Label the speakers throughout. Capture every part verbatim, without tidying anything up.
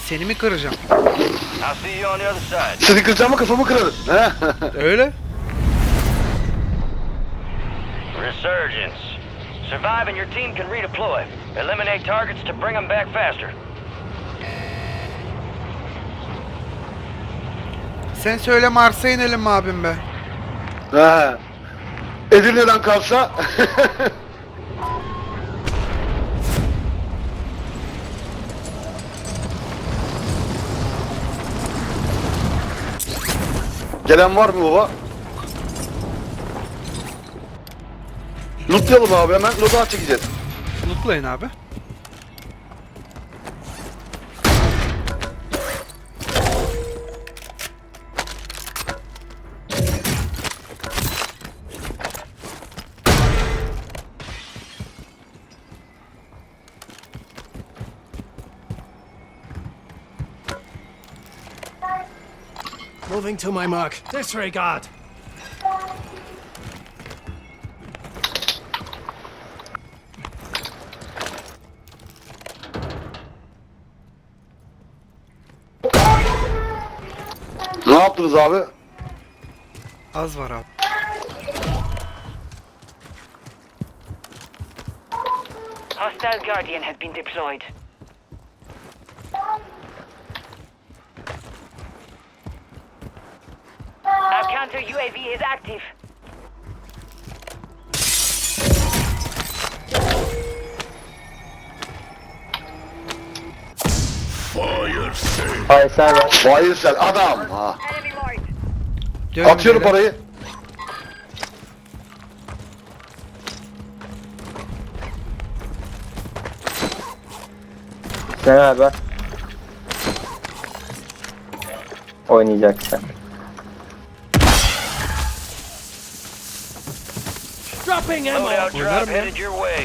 Speaker 1: Seni mi kıracağım?
Speaker 2: Seni kıracağım mı kafamı kırarım.
Speaker 1: Öyle.
Speaker 3: Resurgence. Survive and your team can redeploy. Eliminate targets to bring them back faster.
Speaker 1: Sen söyle Mars'a inelim mi abim be?
Speaker 2: He. Edirne'den kalsa. Gelen var mı baba? Lootlayalım abi, hemen loot'a çekeceğiz.
Speaker 1: Lootlayın abi.
Speaker 4: Moving to my mark. Disregard.
Speaker 2: Ne yaptınız abi?
Speaker 1: Az var abi.
Speaker 5: Hostile Guardian has been deployed. Our counter U A V is active.
Speaker 6: Faysal var.
Speaker 2: Faysal adam. Ha.
Speaker 5: Enemy marked.
Speaker 1: Dönün
Speaker 2: Atıyorum
Speaker 1: beyler.
Speaker 2: parayı.
Speaker 6: Sen abi. Oynayacaksın.
Speaker 4: Dropping ammo.
Speaker 3: Loadout drop
Speaker 1: Oynarım ya.
Speaker 3: headed your way.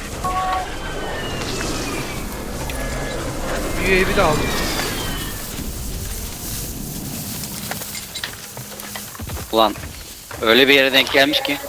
Speaker 1: U A V de aldım.
Speaker 7: Ulan öyle bir yere denk gelmiş ki.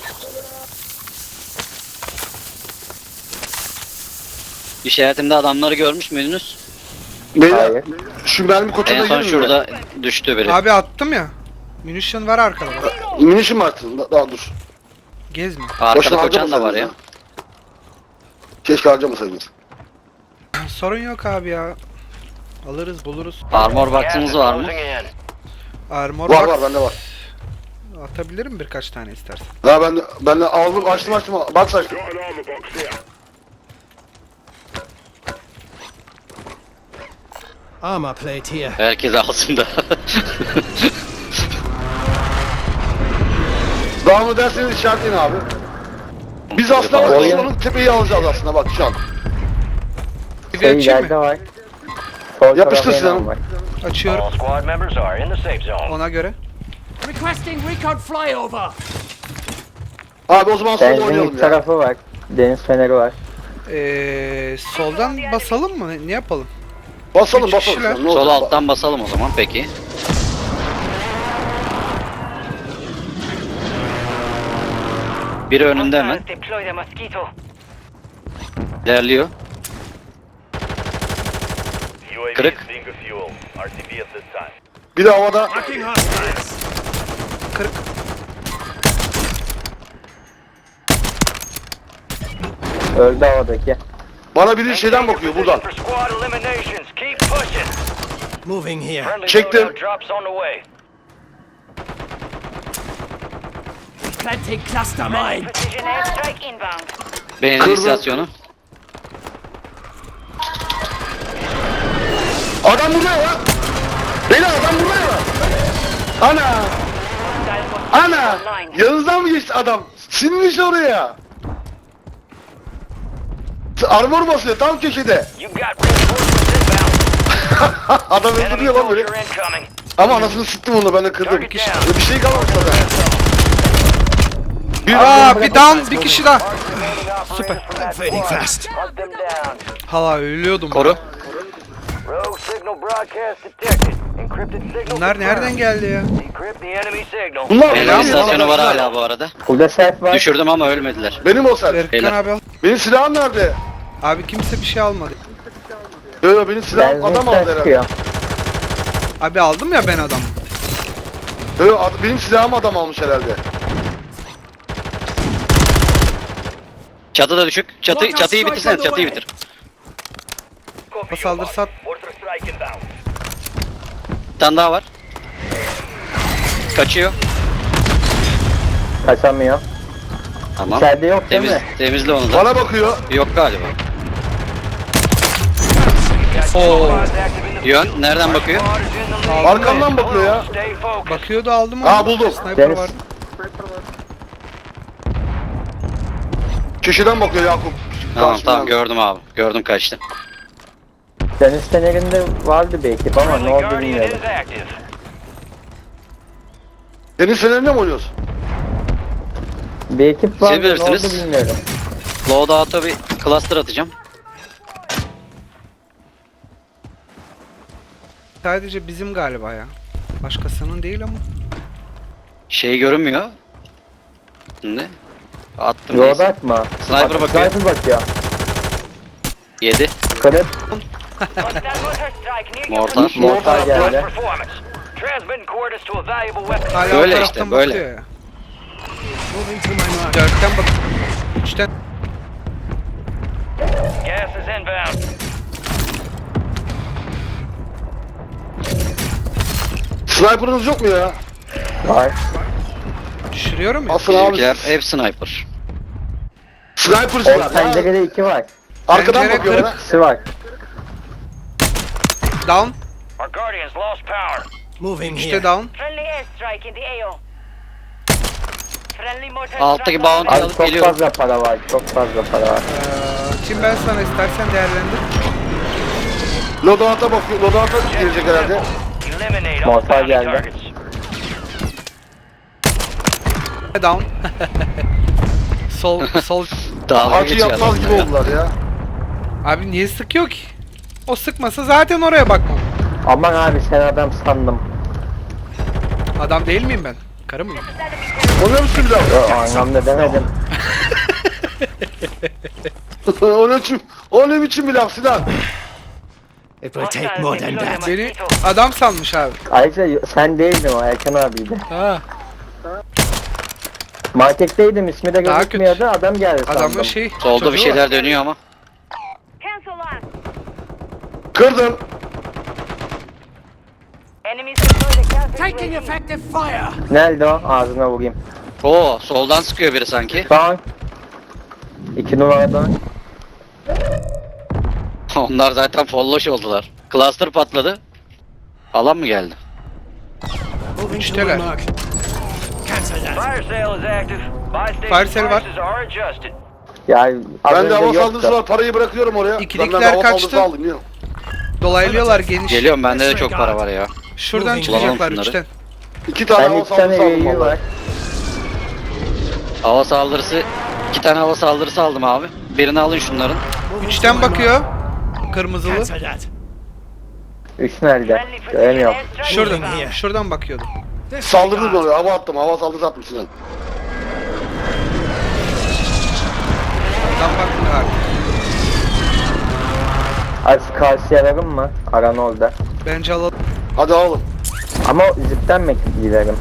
Speaker 7: İşaretimde adamları görmüş müydünüz?
Speaker 2: Beyler,
Speaker 6: Hayır.
Speaker 2: şu mermi kotuna
Speaker 7: En son
Speaker 2: girin mi?
Speaker 7: şurada düştü biri.
Speaker 1: Abi attım ya. Munition var arkada. Bak.
Speaker 2: Minişim mi attın? Da- Daha dur.
Speaker 1: Gezme.
Speaker 7: Arkada
Speaker 2: Boşuna
Speaker 7: koçan da var ya.
Speaker 2: harcamasaydınız Keşke harcamasaydınız.
Speaker 1: Sorun yok abi ya. Alırız buluruz.
Speaker 7: Armor
Speaker 3: Gas
Speaker 7: box'ınız
Speaker 3: is
Speaker 7: var mı?
Speaker 3: closing in.
Speaker 1: Armor
Speaker 2: Var
Speaker 1: box
Speaker 2: var, bende var.
Speaker 1: atabilirim birkaç tane istersen.
Speaker 2: Ha ben de, ben de aldım, açtım açtım. Bak açtım.
Speaker 4: Armor plate here.
Speaker 7: Herkes alsın da.
Speaker 2: Daha mı derseniz işaretleyin abi. Biz aslında bak,
Speaker 6: Oyun-
Speaker 2: onun tepeyi alacağız aslında bak şu an.
Speaker 1: Bir
Speaker 6: Şey
Speaker 1: açayım
Speaker 6: ileride
Speaker 1: mı?
Speaker 6: var. Sol
Speaker 2: Yapıştır
Speaker 6: tarafta
Speaker 2: silahını.
Speaker 6: yan var.
Speaker 1: Açıyorum.
Speaker 3: All squad members are in the safe zone.
Speaker 1: Ona göre.
Speaker 4: Requesting recon flyover.
Speaker 2: Abi o zaman sol oynayalım
Speaker 6: Benzinlik
Speaker 2: ya.
Speaker 6: tarafı var. Deniz feneri var.
Speaker 1: Ee, soldan basalım mı? Ne, ne yapalım?
Speaker 2: Basalım
Speaker 1: Üç
Speaker 2: basalım.
Speaker 1: kişiler.
Speaker 2: sen, ne
Speaker 7: Sol
Speaker 2: olacak?
Speaker 7: alttan basalım o zaman peki. Biri önünde hemen.
Speaker 5: Hostiles deploy the mosquito.
Speaker 7: İlerliyor.
Speaker 3: U A V
Speaker 7: Kırık.
Speaker 3: is being refueled. R T B at this time.
Speaker 2: Bir de havada.
Speaker 4: Marking hostiles.
Speaker 1: kırk.
Speaker 6: Öldü havadaki.
Speaker 2: Bana biri şeyden
Speaker 3: Maintain
Speaker 2: bakıyor
Speaker 3: your
Speaker 2: buradan.
Speaker 3: position for squad eliminations. Keep pushing.
Speaker 4: Moving here.
Speaker 3: Friendly
Speaker 2: Çektim.
Speaker 3: loadout drops on the way.
Speaker 4: Planting cluster mine.
Speaker 5: Precision airstrike inbound.
Speaker 7: Benzin
Speaker 2: Kırdı.
Speaker 7: istasyonu.
Speaker 2: Adam burada ya. Beyler adam burada ya. Ana.
Speaker 5: Hostile mosquito
Speaker 2: Ana.
Speaker 5: online.
Speaker 2: Yanınızdan mı geçti adam? Sinmiş oraya. Armor basıyor tam köşede.
Speaker 3: You got reinforcements inbound.
Speaker 2: Adam
Speaker 3: Enemy
Speaker 2: öldürüyor lan böyle.
Speaker 3: soldier incoming.
Speaker 2: Ama anasını sıktım onu, ben de kırdım.
Speaker 3: Target down.
Speaker 2: Bir şey kalmamış zaten. Bir
Speaker 1: Aa bir down bir kişi daha.
Speaker 3: Süper.
Speaker 4: Fading fast.
Speaker 3: Hunt them down.
Speaker 1: Hala ölüyordum.
Speaker 7: Koru.
Speaker 3: Rogue signal broadcast detected. Encrypted signal.
Speaker 1: Bunlar nereden geldi ya?
Speaker 3: Decrypt the enemy signal.
Speaker 2: Bunlar
Speaker 7: Benzin
Speaker 2: benim,
Speaker 7: istasyonu var
Speaker 2: bunlar.
Speaker 7: hala bu arada.
Speaker 6: Burada self var.
Speaker 7: Düşürdüm ama ölmediler.
Speaker 2: Benim o sen.
Speaker 1: Erkan
Speaker 7: Beyler.
Speaker 1: abi al.
Speaker 2: Benim silahım nerede?
Speaker 1: Abi kimse bir şey almadı.
Speaker 2: Yo yo benim silahım
Speaker 6: Benzinlikten
Speaker 2: adam aldı herhalde.
Speaker 6: çıkıyor.
Speaker 1: Abi aldım ya ben adam.
Speaker 2: Ö, ad- benim silahımı adam almış herhalde.
Speaker 7: Çatı da düşük. Çatı, çatıyı bitirsene, çatıyı bitir.
Speaker 1: O saldırı sat.
Speaker 7: Bir tane daha var. Kaçıyor.
Speaker 6: Kaçamıyor.
Speaker 7: Tamam.
Speaker 6: İçeride yok değil
Speaker 7: Temiz,
Speaker 6: mi?
Speaker 7: temizle onu da.
Speaker 2: Bana bakıyor.
Speaker 7: Yok galiba.
Speaker 1: Oo.
Speaker 7: Yön nereden bakıyor?
Speaker 2: Arkamdan bakıyor ya.
Speaker 1: Bakıyordu aldım onu.
Speaker 2: Aa, buldum.
Speaker 1: Sniper
Speaker 6: Deniz.
Speaker 1: var.
Speaker 2: Köşeden bakıyor Yakup.
Speaker 7: Tamam
Speaker 2: Karşımdan.
Speaker 7: tamam gördüm abi. Gördüm kaçtı.
Speaker 6: Deniz fenerinde vardı bir ekip ama ne oldu bilmiyorum.
Speaker 2: Deniz fenerinde mi oynuyorsun?
Speaker 6: Bir ekip vardı ne oldu
Speaker 7: bilirsiniz.
Speaker 6: bilmiyorum.
Speaker 7: Loadout'a bir cluster atacağım.
Speaker 1: Sadece bizim galiba ya. Başkasının değil ama.
Speaker 7: Şey görünmüyor. Şimdi. Attım.
Speaker 6: Yolda
Speaker 7: neyse.
Speaker 6: atma.
Speaker 7: Sniper
Speaker 6: Bak,
Speaker 7: bakıyor.
Speaker 6: Sniper bakıyor.
Speaker 7: Yedi.
Speaker 6: Kırık.
Speaker 7: Mortar.
Speaker 6: Mortar geldi.
Speaker 1: Hala
Speaker 7: Böyle
Speaker 1: o taraftan
Speaker 7: işte, böyle.
Speaker 1: bakıyor ya.
Speaker 4: Moving to my mark.
Speaker 1: Dörtten bak. Üçten.
Speaker 3: Gas is inbound.
Speaker 2: Sniper'ınız yok mu ya?
Speaker 6: Var.
Speaker 1: Düşürüyorum ya.
Speaker 2: Asıl abi.
Speaker 7: Bizimkiler hep sniper.
Speaker 2: Sniper'cılar
Speaker 6: O
Speaker 2: ya.
Speaker 6: pencerede iki var.
Speaker 2: Arkadan
Speaker 1: Pencere
Speaker 2: bakıyor
Speaker 1: kırık.
Speaker 2: bana.
Speaker 6: İkisi var.
Speaker 1: Down.
Speaker 3: Our Guardians lost power.
Speaker 4: Moving
Speaker 1: İşte
Speaker 4: here.
Speaker 1: down.
Speaker 5: Friendly airstrike in the A O. Friendly mortar
Speaker 7: Alttaki
Speaker 5: strike
Speaker 7: bounty
Speaker 5: online.
Speaker 6: Abi
Speaker 7: alıp
Speaker 6: çok
Speaker 7: geliyorum.
Speaker 6: fazla para var. Çok fazla para var.
Speaker 1: Ee, şimdi ben sana istersen değerlendir.
Speaker 2: Loadout'a bakıyor. Loadout'a gelecek herhalde.
Speaker 3: Eliminate all
Speaker 6: Mortar
Speaker 3: bounty
Speaker 6: geldi.
Speaker 3: targets.
Speaker 1: Down. sol sol.
Speaker 7: Dalga
Speaker 2: Hacı
Speaker 7: geçiyor
Speaker 2: yapmaz
Speaker 7: adamlar
Speaker 2: gibi
Speaker 7: ya.
Speaker 2: oldular ya.
Speaker 1: Abi niye sıkıyor ki? O sıkmasa zaten oraya bakmam.
Speaker 6: Aman abi sen adam sandım.
Speaker 1: Adam değil miyim ben? Karı mıyım?
Speaker 2: Oluyor musun bir daha?
Speaker 6: Yo, o anlamda demedim.
Speaker 2: o ne biçim, o ne biçim bir laf Sinan?
Speaker 4: It will take more than that.
Speaker 1: Beni adam sanmış abi.
Speaker 6: Ayrıca sen değildin o Erkan abiydi.
Speaker 1: Ha.
Speaker 6: Marketteydim ismi de
Speaker 1: Daha
Speaker 6: gözükmüyordu adam geldi sandım.
Speaker 1: Adamın şey.
Speaker 7: Solda
Speaker 1: çocuğu
Speaker 7: bir
Speaker 1: var.
Speaker 7: şeyler dönüyor ama.
Speaker 5: Cancel on.
Speaker 2: Kırdım.
Speaker 5: Enemies deploy the counter
Speaker 4: Taking
Speaker 5: U A V.
Speaker 4: effective fire.
Speaker 6: Nerede o? Ağzına vurayım.
Speaker 7: Oo soldan sıkıyor biri sanki.
Speaker 6: Down. İki numaradan.
Speaker 7: Onlar zaten folloş oldular. Cluster patladı. Alan mı geldi?
Speaker 4: Moving to my
Speaker 1: Üçteler.
Speaker 4: mark. Cancel that.
Speaker 3: Fire sale is active. Buy
Speaker 1: Fire
Speaker 3: station
Speaker 1: sale var.
Speaker 3: prices are adjusted.
Speaker 6: Ya az
Speaker 2: Ben de hava
Speaker 6: önce
Speaker 2: saldırısı
Speaker 6: yoktu.
Speaker 2: var. Parayı bırakıyorum oraya.
Speaker 1: İkilikler
Speaker 2: Ben de hava
Speaker 1: kaçtı.
Speaker 2: saldırısı aldım ya.
Speaker 1: Dolaylıyorlar geniş.
Speaker 7: Geliyorum bende de çok para var ya.
Speaker 1: Şuradan
Speaker 4: Bulalım
Speaker 1: çıkacaklar
Speaker 7: şunları.
Speaker 1: üçten.
Speaker 2: İki tane
Speaker 6: Ben
Speaker 2: hava
Speaker 6: iki tane
Speaker 2: saldırısı aldım
Speaker 6: üyeyi
Speaker 2: vallahi.
Speaker 6: var.
Speaker 7: Hava saldırısı. iki tane hava saldırısı aldım abi. Birini alın şunların.
Speaker 4: Moving to
Speaker 1: Üçten
Speaker 4: my mark.
Speaker 1: bakıyor. Kırmızılı.
Speaker 4: Cancel that.
Speaker 6: Üç nerede?
Speaker 5: Friendly precision
Speaker 6: Göremiyorum.
Speaker 5: airstrike
Speaker 1: Şuradan.
Speaker 5: inbound.
Speaker 1: Şuradan bakıyordu.
Speaker 2: Saldırdım oraya. Hava attım. Hava saldırısı attım Sinan.
Speaker 1: Adam bakmıyor abi.
Speaker 6: Az karşıya verin mı? Aran orada.
Speaker 1: Bence alalım.
Speaker 2: Hadi alalım.
Speaker 6: Ama o zipten mi giderim?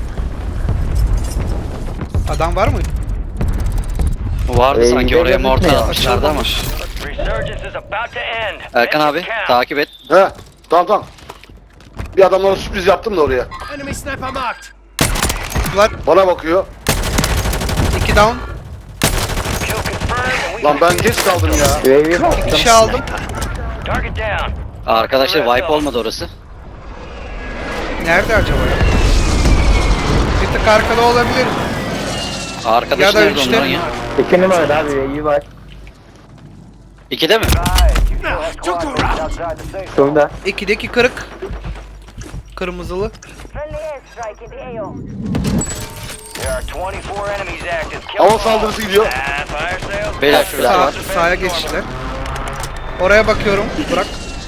Speaker 1: Adam var mı?
Speaker 7: Vardı
Speaker 6: Ee,
Speaker 7: sanki
Speaker 6: bize
Speaker 7: oraya mortar
Speaker 6: gözükmüyor.
Speaker 7: atmışlardı ama.
Speaker 3: Resurgence is about to end.
Speaker 7: Erkan
Speaker 3: Make
Speaker 7: abi
Speaker 3: it count.
Speaker 7: takip et.
Speaker 2: He. Tamam tamam. Bir adamlara sürpriz yaptım da oraya.
Speaker 4: Enemy sniper marked.
Speaker 1: Var.
Speaker 2: Bana bakıyor.
Speaker 1: İki down.
Speaker 3: Kill confirmed and we
Speaker 2: Lan ben geç kaldım ya.
Speaker 6: U A V baktım.
Speaker 1: Bir şey aldım.
Speaker 3: target down.
Speaker 7: Arkadaşlar wipe olmadı orası.
Speaker 1: Nerede acaba ya? Bir tık arkada olabilir.
Speaker 7: Arkadaş
Speaker 1: Ya da
Speaker 7: nerede
Speaker 1: üçte.
Speaker 7: onların ya?
Speaker 6: İki numarada abi U A V var.
Speaker 7: İkide mi?
Speaker 4: Took a round.
Speaker 6: Şurada.
Speaker 1: İkideki kırık. Kırmızılı.
Speaker 5: Friendly airstrike in the A O.
Speaker 3: There are twenty-four enemies active. Kill
Speaker 2: Hava
Speaker 3: them all.
Speaker 2: saldırısı gidiyor.
Speaker 3: Ah, fire sale.
Speaker 7: Beyler şurada
Speaker 1: Sağ,
Speaker 7: var.
Speaker 1: sağa geçtiler. Oraya bakıyorum. Bırak.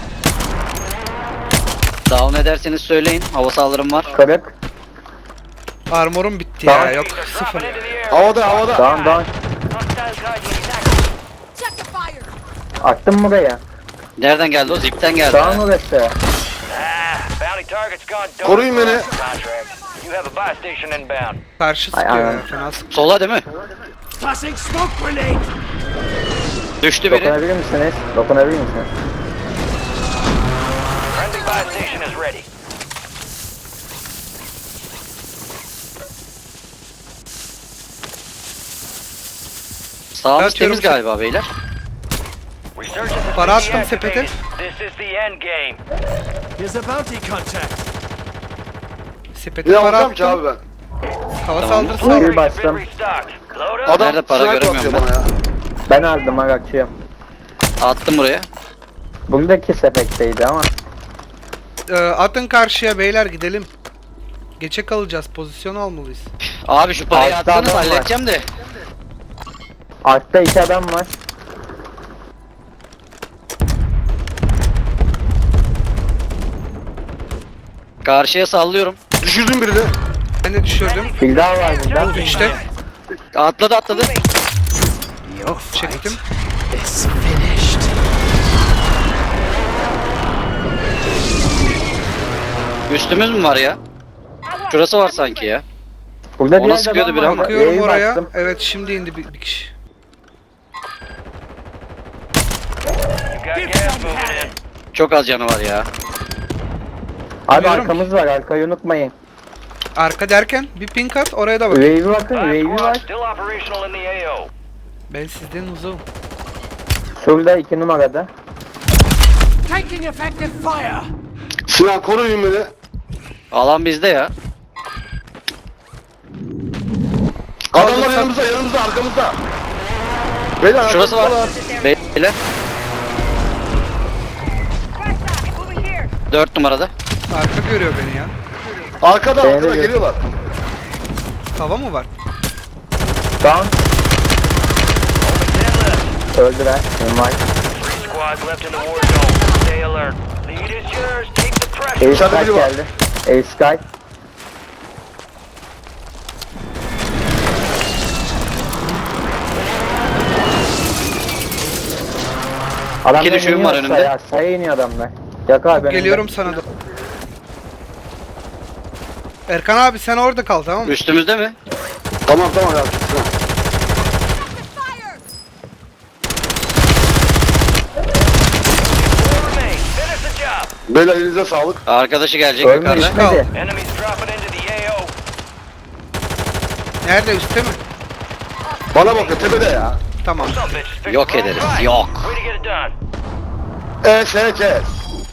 Speaker 7: Down ederseniz söyleyin. Hava saldırım var.
Speaker 6: Kırık.
Speaker 1: Armorum bitti ya.
Speaker 6: Tamam.
Speaker 1: Yok
Speaker 3: Dropping
Speaker 1: sıfır.
Speaker 3: into the air.
Speaker 2: Havada havada.
Speaker 6: Down down.
Speaker 5: Hostile Guardian is active.
Speaker 6: Attım buraya.
Speaker 7: Nereden geldi o? Zipten geldi.
Speaker 6: Down orası.
Speaker 3: Ah, Bounty target's gone dark.
Speaker 2: Koruyun beni.
Speaker 3: Contract. You have a buy station inbound.
Speaker 1: Karşı
Speaker 6: Ay,
Speaker 1: sıkıyor
Speaker 6: ay.
Speaker 1: ya. Fena sıkıyor.
Speaker 7: Sola değil mi?
Speaker 4: Tossing smoke grenade!
Speaker 7: Düştü biri.
Speaker 6: Dokunabilir misiniz? Dokunabilir misiniz?
Speaker 3: Friendly buy station is ready.
Speaker 7: Sağımız
Speaker 1: Atıyorum
Speaker 7: temiz
Speaker 1: şu-
Speaker 7: galiba beyler.
Speaker 3: Resurgence has
Speaker 1: Para
Speaker 3: been
Speaker 1: attım sepete.
Speaker 3: deactivated. This is the end game.
Speaker 4: Here's a bounty contact.
Speaker 1: Sepete
Speaker 2: Ne
Speaker 1: para
Speaker 2: alacağım ki
Speaker 1: attım.
Speaker 2: abi ben?
Speaker 1: Hava
Speaker 7: Tamam.
Speaker 1: saldırısı
Speaker 6: Buyur.
Speaker 1: aldım.
Speaker 6: Bir bastım.
Speaker 3: Been restocked. Load up.
Speaker 2: Adam
Speaker 7: Nerede para
Speaker 2: sniper
Speaker 7: göremiyorum
Speaker 2: atıyor bana ya.
Speaker 6: Ben aldım Arakçı'yı.
Speaker 7: Attım buraya.
Speaker 6: Buradaki sepetteydi ama.
Speaker 1: Ee, atın karşıya beyler gidelim. Geçe kalacağız. Pozisyon almalıyız.
Speaker 7: Abi şu parayı
Speaker 6: Altta
Speaker 7: attınız
Speaker 6: adam var.
Speaker 7: halledeceğim de.
Speaker 6: Altta iki adam var.
Speaker 7: Karşıya sallıyorum.
Speaker 2: Düşürdüm birini.
Speaker 1: Ben de düşürdüm.
Speaker 6: Bir daha var burada.
Speaker 1: İşte
Speaker 7: Atladı atladı.
Speaker 4: Your
Speaker 1: çektim.
Speaker 4: is finished.
Speaker 7: Üstümüz mü var ya? Şurası var sanki ya.
Speaker 6: Burada
Speaker 7: Ona
Speaker 6: diğer
Speaker 7: sıkıyordu
Speaker 6: adam
Speaker 7: biri
Speaker 6: var.
Speaker 7: ama.
Speaker 1: Bakıyorum
Speaker 6: E'yi
Speaker 1: oraya.
Speaker 6: bastım.
Speaker 1: Evet şimdi indi bir, bir kişi.
Speaker 3: You got gas moving in.
Speaker 7: Çok az canı var ya.
Speaker 6: Abi
Speaker 1: Biliyorum.
Speaker 6: arkamız var, arkayı unutmayın.
Speaker 1: Arka derken bir ping at oraya da bak.
Speaker 6: Wave'e bakın,
Speaker 3: Five
Speaker 6: wave'i
Speaker 3: squads
Speaker 6: var.
Speaker 3: still operational in the A O.
Speaker 1: Ben sizden uzağım.
Speaker 6: Şurada iki numarada.
Speaker 4: Taking effective fire!
Speaker 2: Sinan koruyun beni.
Speaker 7: Alan bizde ya.
Speaker 2: Adamlar yanımızda, yanımızda, arkamızda. Beyler
Speaker 7: Şurası var.
Speaker 2: arkamızda
Speaker 7: Beyler.
Speaker 5: Moving here.
Speaker 7: Dört numarada.
Speaker 1: Arka görüyor beni ya.
Speaker 2: Arkada,
Speaker 6: Beni de
Speaker 2: arkada
Speaker 6: gör.
Speaker 2: geliyorlar.
Speaker 1: Hava mı var?
Speaker 6: Down. Öldüler. Normal.
Speaker 3: Three squads left in the war zone. Stay alert. Lead is yours. Take the pressure.
Speaker 6: Ace
Speaker 2: Dışarıda
Speaker 6: Sky
Speaker 2: biri var.
Speaker 6: geldi. Ace Sky. Adamlar
Speaker 7: İki düşüğüm
Speaker 6: iniyor
Speaker 7: var
Speaker 6: aşağıya,
Speaker 7: önümde.
Speaker 6: aşağıya iniyor adamlar. Yak abi önümde.
Speaker 1: Geliyorum sana da. Erkan abi sen orada kal tamam mı?
Speaker 7: Üstümüzde mi?
Speaker 2: Tamam tamam ya. Sinan.
Speaker 3: Four remain. Finish the job.
Speaker 2: Beyler elinize sağlık.
Speaker 7: Arkadaşı gelecek
Speaker 6: Ölme
Speaker 7: yukarıda.
Speaker 6: düşmedi.
Speaker 3: Enemies dropping into the A O.
Speaker 1: Nerede üstte mi?
Speaker 2: Bana bakın tepede ya.
Speaker 1: Tamam.
Speaker 3: Some bitches picked
Speaker 7: Yok
Speaker 3: the wrong
Speaker 7: ederiz,
Speaker 3: fight.
Speaker 7: yok.
Speaker 3: Way to get it done.
Speaker 2: E S K.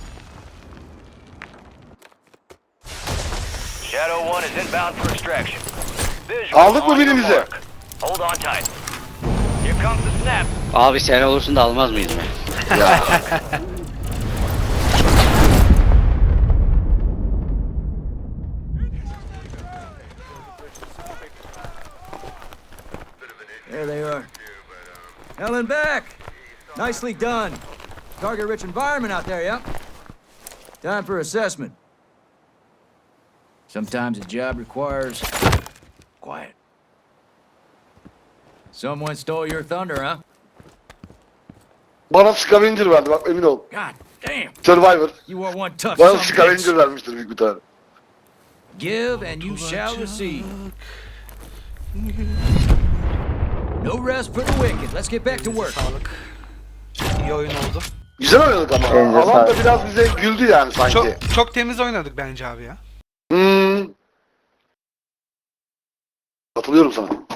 Speaker 3: Shadow one is inbound for extraction. Visual
Speaker 2: Aldık mı
Speaker 3: on your
Speaker 2: birimizi?
Speaker 3: mark. Hold on tight. Here comes the snap.
Speaker 7: Abi sen olursun da almaz mıyız mı?
Speaker 8: There they are. Helen back! Nicely done. Target-rich environment out there, yeah? Time for assessment. Sometimes a job requires quiet. Someone stole your thunder, huh?
Speaker 2: Bana scavenger verdi bak emin ol.
Speaker 8: God damn!
Speaker 2: Survivor.
Speaker 8: You are one tough
Speaker 2: Bana
Speaker 8: son of a
Speaker 2: scavenger
Speaker 8: bitch.
Speaker 2: vermiştir büyük bir tane.
Speaker 8: Give and you shall receive. No rest for the wicked. Let's get back to work.
Speaker 1: Sağlık. İyi oyun oldu.
Speaker 2: Güzel oynadık ama.
Speaker 6: Elinize
Speaker 2: Alan da
Speaker 6: sağlık.
Speaker 2: biraz bize güldü yani sanki.
Speaker 1: Çok çok temiz oynadık bence abi ya.
Speaker 2: Hmm. Katılıyorum sana.